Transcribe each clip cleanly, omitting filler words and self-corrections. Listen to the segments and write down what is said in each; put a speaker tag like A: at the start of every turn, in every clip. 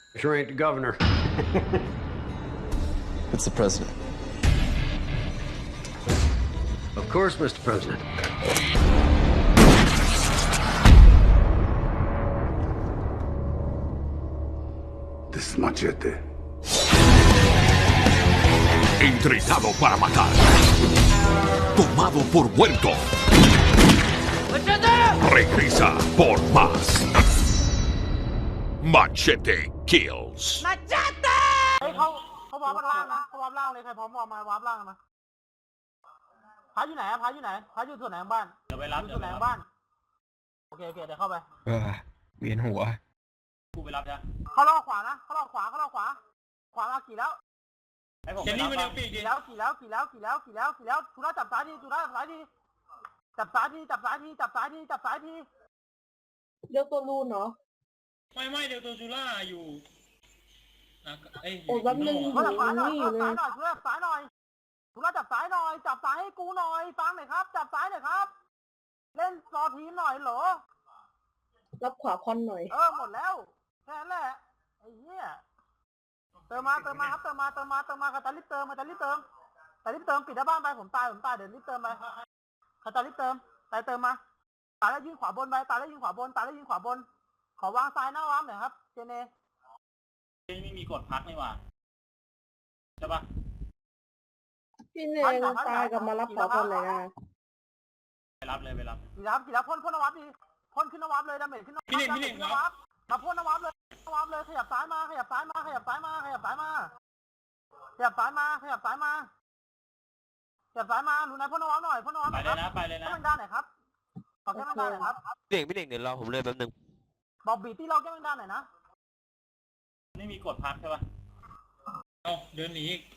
A: Sure ain't the governor.
B: It's the president.
A: Of course, Mr. President.
C: This is Machete.
D: Entrenado para matar. Tomado por muerto. Regresa por más. Machete Kills.
E: เฮ้ยเขาวาร์ปล่างนะเขาวาร์ปล่างเลยใครพร้อมวาร์ปมาวาร์ปล่างมาพาอยู่ไหนอะพาอยู่ไหนพาอยู่ส่วนไหนของบ้านเดี๋ยวไปรับส่วนไหนของบ้านโอเคเดี๋ยวเข้าไป
F: เวียนหัว
G: กูไปรับจ้ะ
E: เขาลอกขวานะเขาลอกขวาขวามากี่แล้ว
G: ให้ผม
H: เจนนี่มันยังปีกดิ
E: กี่แล้วทุระจับซ้ายทีจับซ้ายทีจับซ้ายที
I: เลือกตัวรูนเนาะ
H: ไม่เดี๋ยวตัวจูล่าอยู่เอ้ย
I: โอ้แป๊บนึง
E: เขาจับซ้ายหน่อย
I: นี่เลย
E: ทุระจับซ้ายหน่อยจับซ้ายให้กูหน่อยฟังหน่อยครับจับซ้ายหน่อยครับเล่นรอทีมหน่อยเหรอ
I: รับขวาคอนหน่อย
E: หมดแล้วแค่นั้นแหละไอ้เหี้ยเติมมาครับเติมมาคาตาลิปเติมปิดหน้าบ้านไปผมตายเดี๋ยวรีบเติมไปคาตาลิปเติมเติมมาตายแล้วยิงขวาบนไปตายแล้วยิงขวาบนขอวางซ้ายหน้าวามหน่อยครับเจเน
G: ไม่มีกดพักนี่หว่าใช่ปะ
I: พี่เนงตายกับมารับขวาคอนเลยนะ
G: ไปรับเลยไปรับ
E: กี่แล้วพ่นนวับดีพ่นขึ้นนวับเลยดาเมจขึ้นนวับมาพ่นนวับเลยขยับซ้ายมาขยับซ้ายมารู้นายพ่นนวับหน่อยพ่นนวับ
G: ไปเลยนะไปเลยนะ
E: แค่มันด้านไหนครับขอแค่มันด้านไหนครับ
F: พี่เน่งเดี๋ยวรอผมเลยแป๊บนึง
E: บอกบีที่เราแค่มันด้านไหนนะ
G: ไม่มีกดพักใช่ปะ
H: เอาเดินหนีอีก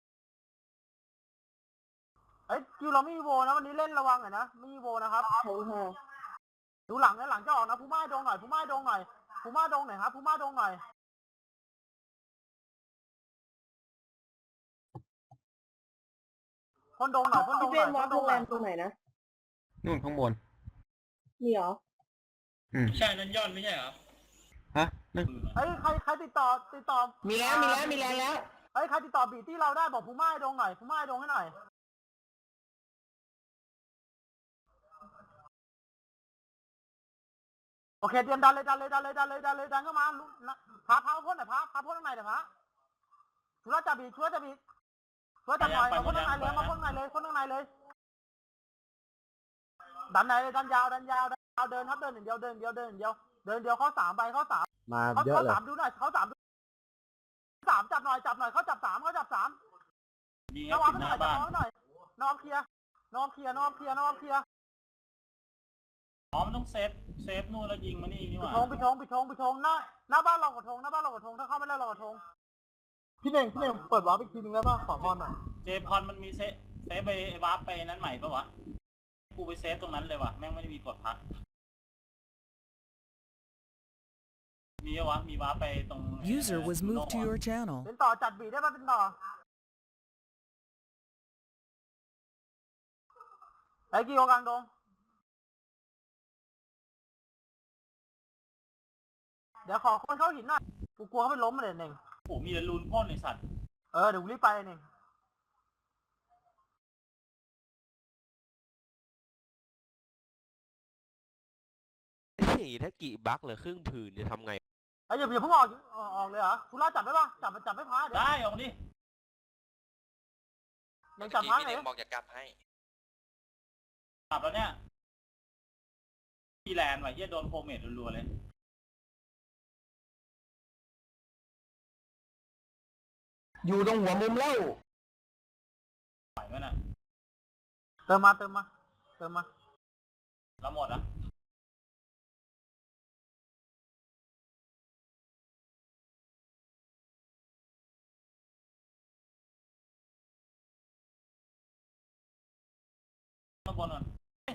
E: คิวเราไม่มีโวนะวันนี้เล่นระวังหน่อยนะไม่มีโวนะครับ
I: ใช่ค่ะ
E: ดูหลังนะหลังจะออกนะผู้ม่าดงหน่อยครับผู้ม่าดงหน่อยพ่นดงหน่อย
I: พี่เป็นวัดโรงแรมตรงไหนนะ
F: นู่นข้างบน
I: มีเหรอ
H: ใช่นั่นยอดไม่ใช่เหรอ
F: ฮะนั่น
E: ใครติดต่อ
I: มีแล้วแรงแล้ว
E: ใครติดต่อบีที่เราได้บอกผู้ม่าดงหน่อยผู้ม่าดงให้หน่อยโอเคเตรียมดันเลยดันเข้ามาพาพ่นหน่อยพาพ่นข้างในเดี๋ยวพาช่วยจับบีช่วยจับหน่อยมาพ่นข้างในเลยพ่นข้างในเลยดันไหนดันยาวเดินครับเดินอย่างเดียวเข้า3ไปเข้า3
A: มาเยอะเลย
E: 3ดูหน่อยเข้า3จับหน่อยเขาจับ3
G: มี
E: นวับ
G: หน้าบ้าน
E: หน่อยนวับเคลียร์
G: อ๋อมันต้องเซฟนู่นแล้วยิงมานี่นี่หว่า
E: ปิดธงหน้าบ้านเรากระทงถ้าเข้าไม่ได้เรากระทงพี่เน่งเปิดวาร์ปอีกทีนึงได้ป่ะขอพรหน่อย
G: เจพอนมันมีเซฟไปวาร์ปไปนั้นใหม่ปะวะกูไปเซฟตรงนั้นเลยว่ะแม่งไม่ได้มีกดพักมีวะมีวาร์ปไปตรง
J: User was moved to your channel.
E: เป็นต่อจัดบีได้ป่ะเป็นต่อไอ้กี่โกกลางดงเดี๋ยวขอคนเข้าหินหน่อยกูกลัวเขาไปล้มมาเลยเน่ง
G: โอ้มีแต่รูนพ่นไอสัตว์
E: เดี๋ยวกูรีบไปเน่ง
F: นี่ถ้ากี่บักเหลือครึ่งผืนจะทำไง
E: อย่าเพิ่งออกเลยเหรอทุล่าจับได้ป่ะจับไม่พาเดี๋ยว
G: ได้ออกดิ
E: ยังจับพาไหน
F: บอกจะกลับให้
G: กลับแล้วเนี่ยพี่แลนด์ว่ะเฮียโดนโพเมทรัวๆเลย
F: อยู่ตรงหัวมุมเล่า
G: ไหวไหมน่ะ
E: เติมมา
G: แล้วหมดอ่ะข้างบนก่อน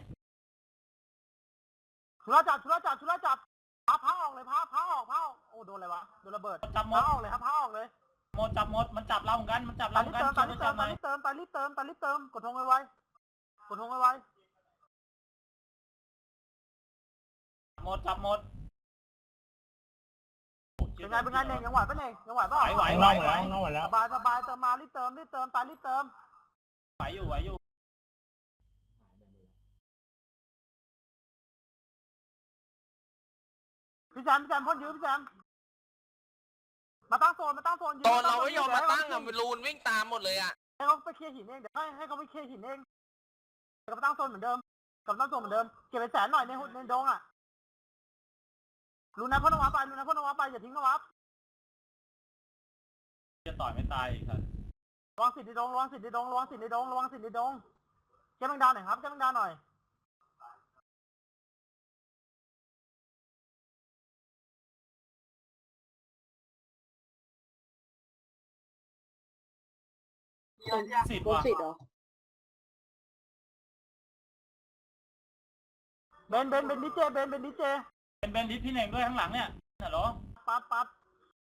E: ทุล่าจับพาออกเลยพาออกโอ้โดนอะไรวะโดนระเบิด
G: จับหม
E: พา
G: ด
E: ออกเลยครับพาออกเลย
G: จับหมดมันจับเราเหมือนกันช่วย
E: ตา
G: กั
E: ลิ
G: น
E: เติม
G: ช่วยกันจับหน่อย
E: กดธงไว
G: จับหมด
E: เป็นไงเป็นไงเน่งยังไหวปะเน่งยังไหวปะ
G: ไหวไหวไหว
E: สบายสบายเติมมารีบเติมตายรีบเติม
G: ไหวอยู่ไหวอยู่
E: พี่แซมพ่นยื้อพี่แซมมาตั้งโซนยื้อ
F: ตอนเราไม่ยอมมาตั้งอ่ะรูนวิ่งตามหมดเลยอ่ะ
E: ให้เขาไปเคลียร์หินเองเดี๋ยวให้เขาไปเคลียร์หินเองเดี๋ยวมาตั้งโซนเหมือนเดิมเก็บไปแสนหน่อยในดงอ่ะลูนายพ่นนวับไปอย่าทิ้งนวับ
G: จะต่อยไม่ตายอีกครับ
E: ระวังสิทธิ์ในดงเก็บแมงดาหน่อยครับ
G: สิทธิ์
I: โดน
G: ว่ะ
I: สิทธิ์เหรอ
E: เบนดีเจ
G: เป็นดิสพี่เน่งด้วยข้างหลังเนี่ยฮัลโหล
E: ปั๊บ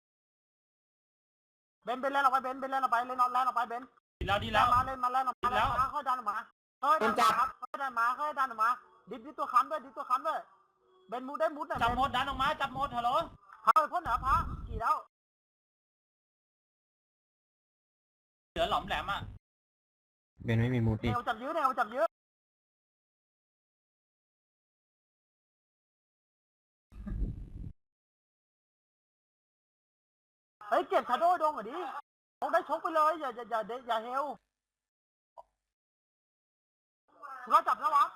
E: เบนเล่นออกไปเล่นออกไปเบน
G: ดีแล้ว
E: มาเล่นมาค่อยดันออกมาค่อยดันออกมาดิสตัวค้ำด้วยเบนมูได้มุดหน่อย
G: จับหมดดันออกมาจับหมดฮัลโหล
E: พาไปพ่นเหนือพากี่แล้ว
G: เหลือหลอมแหลมอ่ะ
F: เบนไม่มีมูด
E: แนวจับยื้อเฮ้ยเก็บชาโดว์ดงเหรอดิต้องได้ชกไปเลยอย่าเฮลเราจับแล้ววะ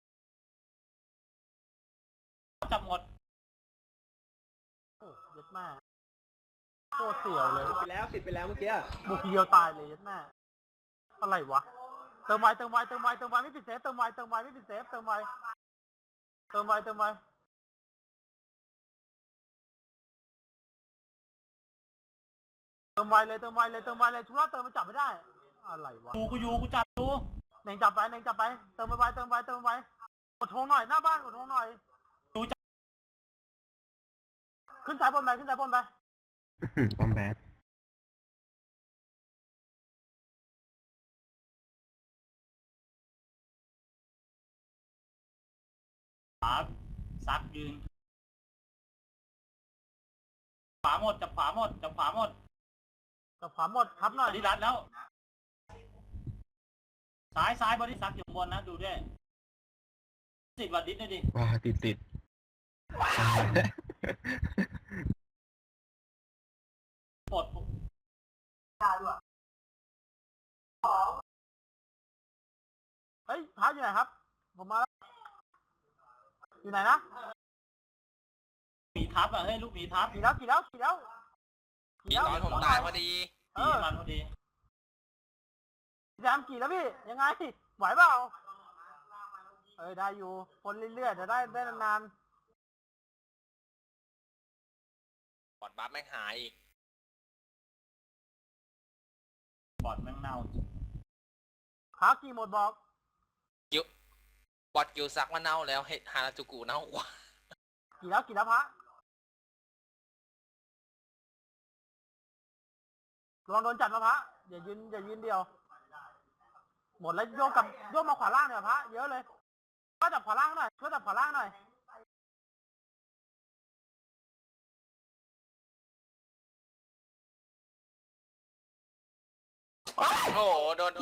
G: จับหมด
E: โอ้ยัดแม่โคตรเสียวเลย
A: ติดไปแล้วเมื่อกี้
E: บุกทีเดียวตายเลยยัดแม่อะไรวะเติมไวไม่ปิดเซฟเติมไวไม่ปิดเซฟเติมไวเลยชุล่าเติมมันจับไม่ได้อะไรวะ
G: กูจับดู
E: เน่งจับไปเติมไวกดโทงหน่อยหน้าบ้านกดโทงหน่อยขึ้นสายบนไป
F: บอมแบด
G: ซักยืนขวาหมดจับขวาหมด
E: ทับหน่อย
G: บอดี้รัดแล้วซ้ายบอดี้ซักอยู่บนนะดูด้วยสิทธิ์วัดดิสด้วยดิ
F: ว้าติด
G: ปลด
E: เฮ้ยท้าอยู่ไหนครับผมมาแล้วอยู่ไหนนะ
G: หมีทับอ่ะเฮ้ยลูกหมีทับ
E: กี่แล้ว
F: พี่ตอนผมตายพอดี
G: มันพอดี
E: แซมกี่แล้วพี่ยังไงไหวเปล่าได้อยู่คนเรื่อยๆจะได้นาน
F: บอดบัฟไม่หายอีก
G: บอดแม่งเน่า
E: ๆขากี่หมดบอก
F: บอดกิวซักมาเน่าแล้วเฮฮาราจูกุเน่ากว่า
E: กี่แล้วพระลองโดนจัดมาพระอย่ายืนเดียวหมดแล้วโยกมาขวาล่างเนี่ยพระเยอะเลยช่วยจับขวาล่างหน่อย
F: โอ้โหโดนไป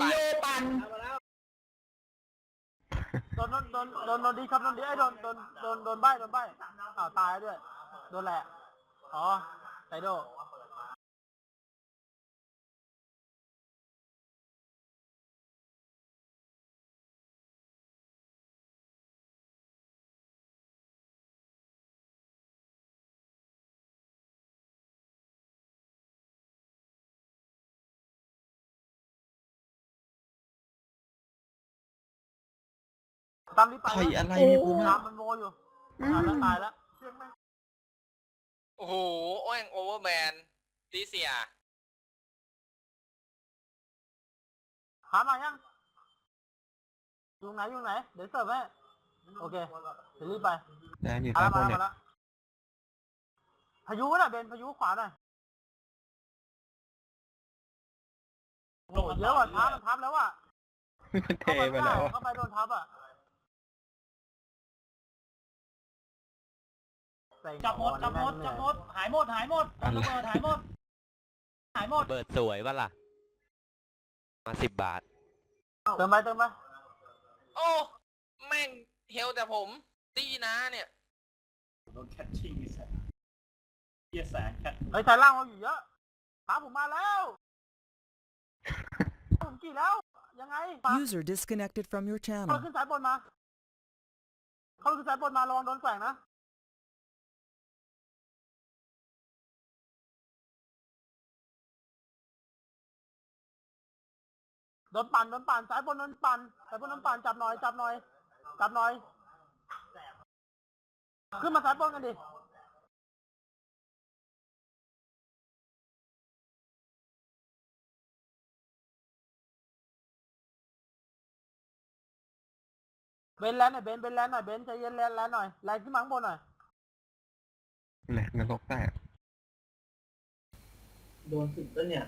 E: โดนดีครับโดนดีไอ้โดนใบตายด้วยโดนแหละไซโดตามนี้ไปอะไรไม่รู้น้ำมันโมอยู่ตายแล้ว
F: โอ้โหโอ้ยโอเวอร์แมนตีเสีย
E: หามายังอยู่ไหนเดี๋ยวเสิร์ฟให้โอเคเดี๋ยวรีบไป
F: แดนอยู่ใต้บนเนี่ย
E: พายุน่ะเบนพายุขวาหน่อยโอ้เยอะว่ะทับแล้วว่ะ
F: มันเทไปแล้ว
E: เข้าไปโดนทับอ่ะ
G: จับหมดจับหมดจับหมดหายหมดหายหมดระเบิดหายหมดหายหมด
B: เบิดสวยป่ะล่ะ มา10 บาท
E: เติมไปเติมไป
F: โอ้แม่งเฮลแต่ผมตีนะเนี่ย
G: โดนแคทชิ่งนี่แสบเฮียแสงแคท
E: เฮ้ยสายล่างเราอยู่เยอะขาผมมาแล้วผมกี่แล้วยังไงมา
J: User disconnected from your
E: เขา
J: channel.
E: ขึ้นสายบนมาเขาขึ้นสายบนมาระวังโดนแกว่งนะโดนปั่นสายบนโดนปั่นสายบนโดนปั่นจับหน่อยจับหน่อยจับหน่อยขึ้นมาสายบนกันดิเบนแลนหน่อยเบนแลนหน่อยเบนใจเย็นแลนหน่อยแลนขึ้นมาข้างบนหน่อย
B: แหลกนรกแตก
H: โดนสุดแล้วเนี่ย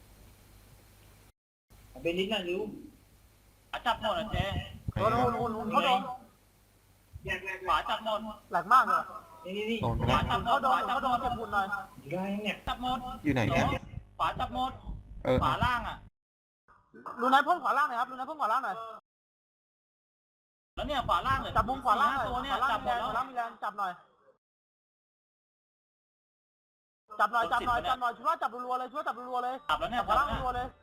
H: เอาไปนิดหน่อยริ้ว
G: จับหมดอ่ะเจ๊
E: โดนหุ่นเขาโดน
G: ขวาจับหมด
E: แหลกมากเลย
H: นี่
B: โดนไป
G: ข
B: แล้ว
G: วาจับหม
E: เขา
G: ด
E: โด
G: ข
E: น
G: วาจับ
E: เขา
G: ห
E: โด
G: ม
E: น
G: ด
E: เก็บหุ่นหน่อย
H: อยู่ได้เนี่ย
G: จับหมด
B: อยู่ไหนเนี่ย
G: ขวาจับหมด
B: เออ
G: ขวาล่างอ่ะ
E: รูนายพ่นขวาล่างหน่อยครับรูนายพ่นขวาล่างหน่อย
G: แล้วเนี่ยขวาล่างเลย
E: จับมุมขวาล่างหน่อย
G: ตัวเนี่ย
E: ขวาล่าง
G: จับหม
E: มี
G: ด
E: แรง
G: แล้ว
E: ขวาล่างมีแรงจับหน่อยจับหน่อยช่วยว่าจับรัวๆเลยช่วยจับรัวๆเลย
G: จับแล้วเนี่ย
E: ขวาล่างรัวๆเลย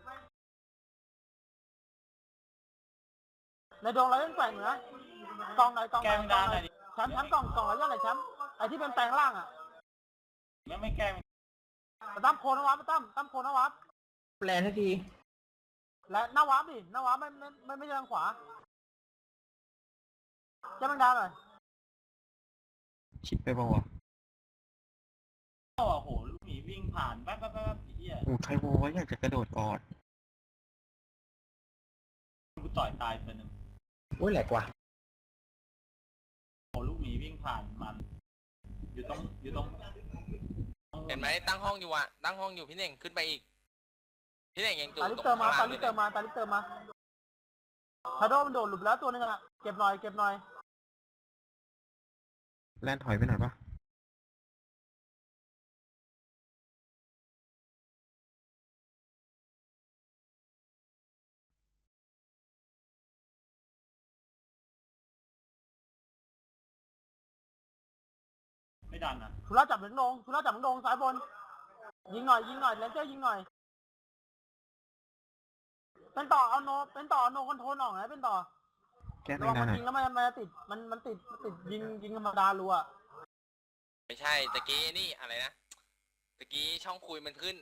E: ในดวงเรายังแกว่งอยู่นะกองไหนกอง
G: แก
E: ไหน
G: ง
E: กอ
G: ดาง น
E: ไห
G: ห
E: น
G: น่อยดิ
E: แชมป์กล่องอะไรยังไงแชมป์ไอ้ที่เป็นแปลงล่างอ่ะ
G: ไม่แกล้ง
E: มาตั้มโคนนะวับมาตั้มโคนนะวับ
H: แปลทันที
E: และหน้าวับดิหน้าวับไม่ใช่ทางขวาจะบังดาหน่อย
B: ชิดไปป่าวะ
G: โอ้โหลูกหมีวิ่งผ่านแป๊บไอ้เหี้ย
B: โอ้ใครโว้ยอยากจะกระโดดกอด
G: กูต่อยตายไปหนึ่ง
H: โอ้ยแหลกว่ะ
G: โอ้ลูกหมีวิ่งผ่านมันอยู่ตรง
F: เห็นไหมตั้งห้องอยู่อะตั้งห้องอยู่พี่เน่งขึ้นไปอีกพี่เน่งยังอยู่
E: ตาลิ
F: ตรง
E: เติมมา
F: ข้าง
E: ตา
F: ล่าง
E: ลิ
F: เลย
E: เติมมาตาลิเติมมาชาโดมันโดดหลุดไปแล้วตัวนึงอ่ะเก็บหน่อย
B: แล่นถอยไปหน่อยปะ
G: ไม่ดันนะ
E: ชุระจับถึงลงสายบนยิงหน่อยเลนเจอร์ยิงหน่อยเป็นต่อเอาโนคอนโทรลออกนะเป็นต่อ
B: แก้
E: ระ
B: ไม่
E: วัง
B: ได้
E: มัน
B: หน่อย
E: ยิงแล้วมันติดมันติดยิงธรรมดารัว
F: ไม่ใช่ตะกี้นี่อะไรนะตะกี้ช่องคุยมันขึ้น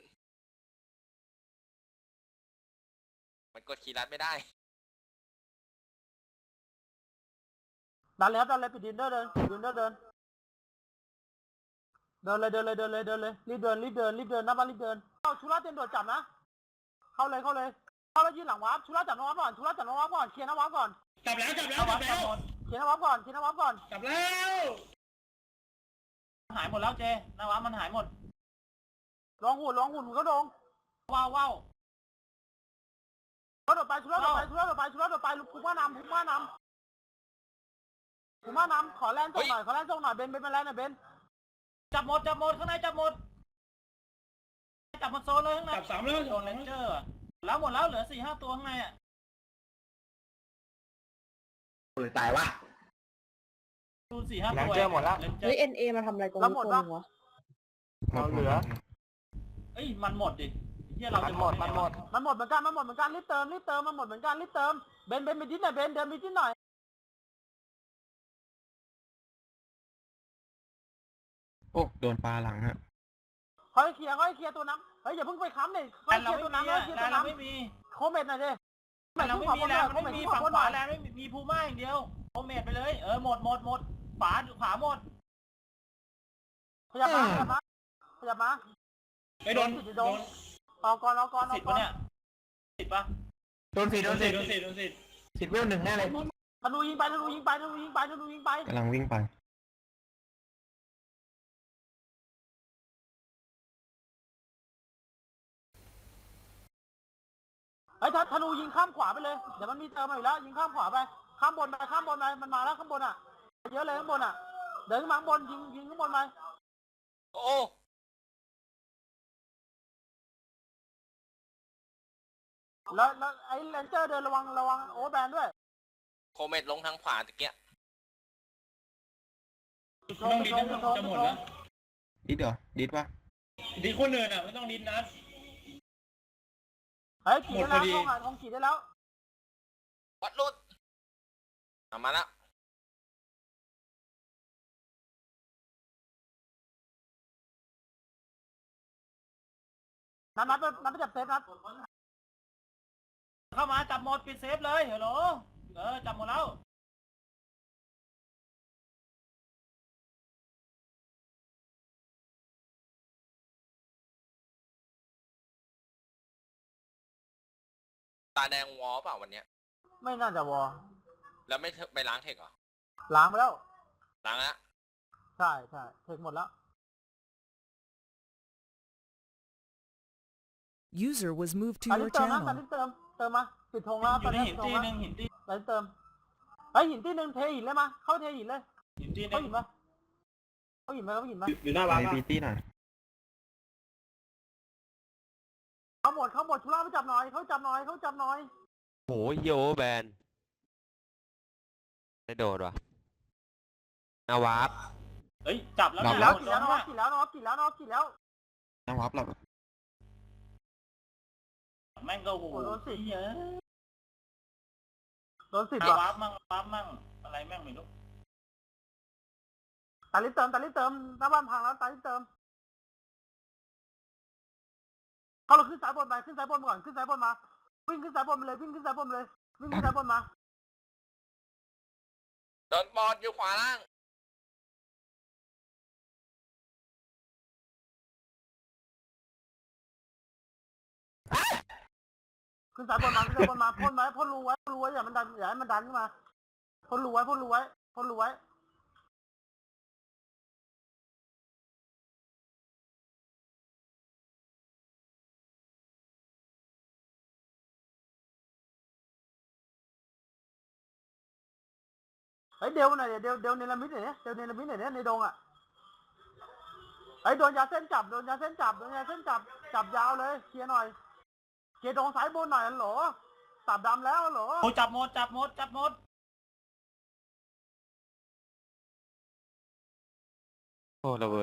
F: มันกดคีย์ลัดไม่ได้
E: ดันเลยปิดดินเดอร์เดินเลยรีบเดินหน้าบ้านรีบเดินเข้าชุระเตรียมโดดจับนะเข้าเลยแล้วยืนหลังวาร์ปชุระจับน้องวาร์ปก่อนเคลียร์น้องวาร์ปก่อน
H: จับแล้ว
E: เคลียร์น้องวาร์ปก่อน
H: จับแล้ว
G: หายหมดแล้วเจนาวะมันหายหมด
E: ลองหุ่นเขาโดง
G: ว้าว
E: เขาโดดไปชุระโดดไปภูมินำขอแลนส่งหน่อยเบนเป็นแลนหน่อยเบน
G: จับหมดข้างในจับหมดโซนเลยข้างใน
H: จับ3แล้ว
G: โดนเลนเจอร์แล้วหมดแล้วเหลือ 4-5 ตัวข้างในอ่ะ
H: เลยตายวะ
G: ดู 4-5 ตัวเลนเจอร์หมดแล้ว
I: เฮ้ย NA มาทำอะไรตรงนี้ตัวนึงวะ
B: เราเหลือ
G: เอ้ยมันหมดดิเฮียเราจะหมด
E: มันหมดเหมือนกันรีบเติมมันหมดเหมือนกันรีบเติมเบนไปดิ้นหน่อยเบนเดินไปดิ้นหน่อย
B: โอ้โดนปลาหลังฮะ
E: ค่อยเคลียร์ตัวน้ำเฮ้ยอย่าเพิ่งไปค้ำเลยค่อยเคลียร์ตัวน้ำ
G: ไม่มี
E: โคเมตหน่อยดิ
G: เราไม่มีแล้วไม่มีฝั่งขวาแล้วไม่มีพูม่าอย่างเดียวโอเมดไปเลยหมดขวาหมด
E: ขยับมา
H: ไปโดน
E: เอาก่อน
G: 10ปะเนี่ย10ปะ
H: โดนสิ10เวล1แน่เลย
E: ธนูยิงไป
B: กำลังวิ่งไป
E: เฮ้ยธนูยิงข้ามขวาไปเลยเดี๋ยวมันมีเติมมาอยู่แล้วยิงข้ามขวาไปข้ามบนไปมันมาแล้วข้างบนอ่ะเยอะเลยข้างบนอ่ะเดินขึ้นมาข้างบนยิงข้างบนไป
F: โอ้
E: แล้วไอ้เลนเจอร์เดินระวังโอเวอร์แบนด้วย
F: โคเมตลงทางขวาตะเกีย
H: ไม่ต้องดิดนะจะหมดแล้ว
B: ดิดเหรอดิดปะ
H: ดิดคนเนินอ่ะไม่ต้องดิดนะ
E: เฮ้ยขี่ได้
H: หมดพอดี
E: แล้วของขี่ได้แล้ว
F: วัดรุดมาแล้ว
E: นัดไปจับเซฟนัด
G: เข้ามาจับหมดปิดเซฟเลยฮัลโหลจับหมดแล้ว
F: ตาแดงวอเปล่าวันเนี้ย
E: ไม่น่าจะวอ
F: แล้วไม่ไปล้างเทคเหรอ
E: ล้างไปแล้ว
F: ล้างแล้ว
E: ใช่เทคหมดแล้ว
J: User was moved to
E: ตอน
J: your
E: นี้เติมนะตอน
J: channel.
E: นี้เติมมาปิดธงแล้ว
G: อยู่ในหินตีหนึ่งหินตี
E: ตอนนี้เติมเฮ้ยหินตีหนึ่งเทหินเลยมาเข้าเทหินเลย
G: หินตีห
E: เข้า
G: นึ่ง
E: หินมาเข้าหินมา
B: อยู่หน้าบ้านพีตี้หน่อย
E: เข้าหมดชุล่าไปจับหน่อยเขาจับหน่อย
B: โหโยแบนไม่โดดว่ะนาวาร์ป
G: เฮ้ยจับแล้ว
E: กี่
G: นะ
E: แล้ว
G: หมด
E: กี่แล้ว
G: นะ
E: กี่แล้ว
B: นาวาร์ปหลับ
G: แม่งก็โห
E: โดนสิ
G: เยอะ
E: โดนสิบ
G: วา
E: ว่ะ
G: ร์ปมั่งอะไรแม่งไม่รู้
E: ตาลิเติมหน้าบ้านพังแล้วตาลิเติมเขาเราขึ้นสายบนไปขึ้นสายบนก่อนขึ้นสายบนมาวิ่งขึ้นสายบนไปเลยวิ่งขึ้นสายบนมา
F: โดนบอลอยู่ขวาล่าง
E: ขึ้นสายบนมาพ่นรูไว้อย่าให้มันดันขึ้นมาพ่นรูไว้เฮ้ยเดวหน่อยเดวเนลมิดหน่อยเนี่ยในดงอ่ะไอ้โดนยาเส้นจับจับยาวเลยเคลียร์หน่อยเคลียร์ดงสายบนหน่อยฮัลโหลสับดำแล้วฮัลโหล
G: โอ้จับหมด
B: โอ้ระเบิด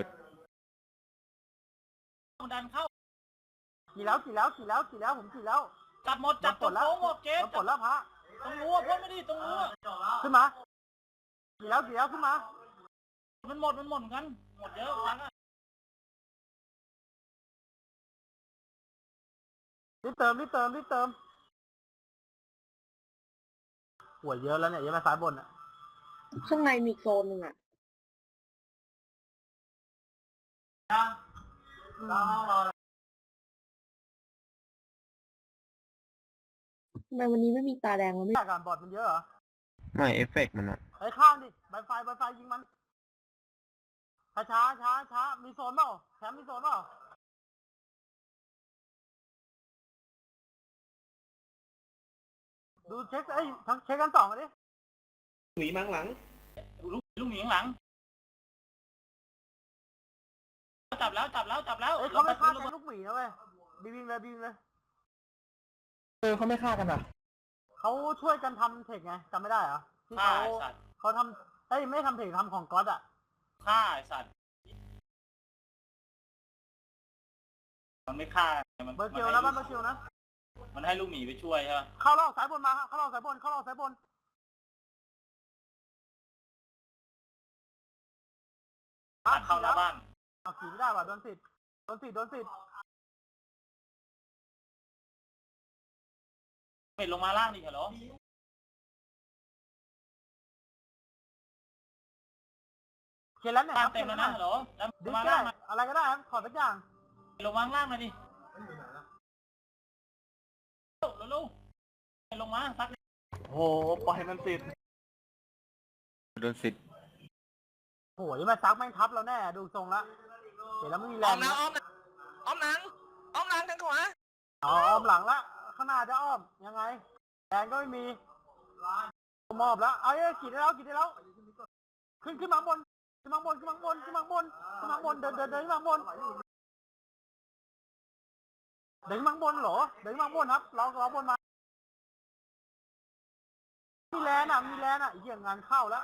G: ดันเข้า
E: ขี่แล้วผมขี่แล้ว
G: จับหมดจับตรงโค้งหมดเกม
E: ปลดแล้วพระ
G: ตรงรั้วพ่นไม่ดีตรงรั้ว
E: ขึ้นมาขี่แล้วขึ้นมา
G: มันหมดเหมือนกันหมดเยอะครั้งอะ
E: รีบเติมป่วยเยอะแล้วเนี่ยยังมาสายบนอ่ะ
I: ข้างในมีโซนหนึ่งอ่ะทำไมวันนี้ไม่มีตาแดงวะไม่
E: แต่การบอดมันเยอะเหรอ
B: ไม่เอฟเฟกต์มันอะ
E: ไอ้ข้างดิใบไฟยิงมันช้ามีโซนเปล่าแชมป์มีโซนเปล่าดูเช็คทั้งเช็คกันสองดิ
G: ลูกหมีข้างหลังจับแล้ว
E: เฮ้ยเขาไม่ฆ่ากันลูกหมีนะเว้ยบีวิงเลยเขาไม่ฆ่ากันอ่ะเขาช่วยกันทำเทคไงจำไม่ได้เหรอที่
G: ฆ่าไอ้สัตว์
E: เขาทำไม่ทำเทคทำของก๊อตอ่ะ
G: ฆ่าไอ้สัตว์มันไม่ฆ่ามัน
E: เบอร์เกียวนะบ้านเบอร์เกียวนะ
G: มันให้ลูกหมีไปช่วยใช่ไหม
E: เข้ารอบสายบนมาเข้ารอบสายบนเข้า
G: หน้าบ้าน
E: เอาขี่ไม่ได้ว่ะโดนสิทธิ์
G: เม็ดลงมาล่างดิเหรอ
E: เขียนแล้วเนี่ย
G: ล่างเต็มแล้วนะเหรอแล้ว
E: ดิ
G: มา
E: ก็
G: ล่า
E: ได้
G: ง
E: อะไรก็ได้ครับขอสักอย่าง
G: ลงวางล่างมาดิลูกลงมาซัก
E: โอ้ปล่อยมันสิทธิ์
B: โดนสิทธิ์
E: โหยมาซักแม่งทับเราแน่ดูทรงละเห็นแล้วไม่มีแร
F: อ้อง มนะอ้อมหลังทางขวา
E: อ้อมหลังละข้างหน้าจะอ้อมยังไงแรงก็ไม่มีมอบแล้วเอาขี่ได้แล้วขึ้นมาบนขึ้นมาบนขึ้นมาบนขึ้นมาบนขึ้นมาบนเดินขึ้นมาบนเดินขึ้นมาบนเหรอเดินขึ้นมาบนครับเราบนมามีแลนอ่ะไอ้เหี้ยงานเข้าแล้ว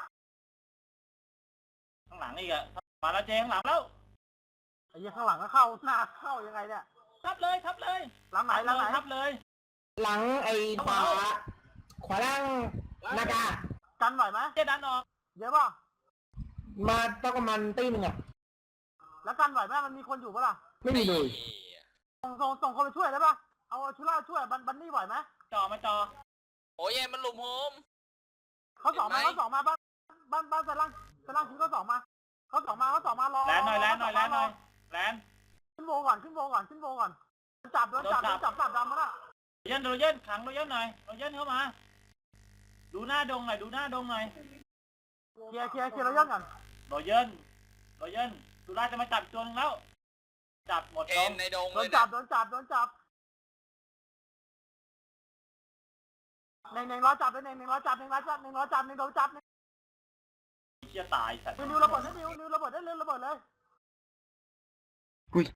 G: ข้างหลังอีกอะมาแล้วเจข้างหลังแล้ว
E: ไอ้เหี้ยข้างหลังก็เข้าหน้าเข้ายังไงเนี่ย
G: ทับเลยทับเลย
E: หลังไหน
G: ทับเลย
K: หลังไอ้ขวาล่างนากา
E: กันไหวไหม
G: เจดันออก
E: เยอะป่ะ
K: มาต้องประมาณตีหนึ่งอ่ะ
E: แล้วกันไหวไหมมันมีคนอยู่ปะล่ะ
K: ไม่มีเลย
E: ส่งคนไปช่วยได้ป่ะเอาชุล่าช่วยบันนี่ไหวไหม
G: จ่อมาจ่อ
F: โอ้ยมันหลุมโฮม
E: เขาสองมาบ้านสลังทิ้งเขาสองมารอ
G: แลนหน่อยแลน
E: ขึ้นโวก่อนจับโดนจับดำมาละ
G: โรเยนขังโรเยนหน่อยโรเยนเข้ามาดูหน้าดงหน่อย
E: เคลียร์เราย่อนก่อน
G: โรเยนสุราจะมาจับตัวนึงแล้วจับหมด
F: เอ็นในดง
E: โด
F: เลย
E: นจั
F: นะ
E: บเน่งรอจับเลยเน่งโดนจับ
G: เชี่ยตายสัตว์
E: นิวระเบิดได้นิวระเบิดได้เลย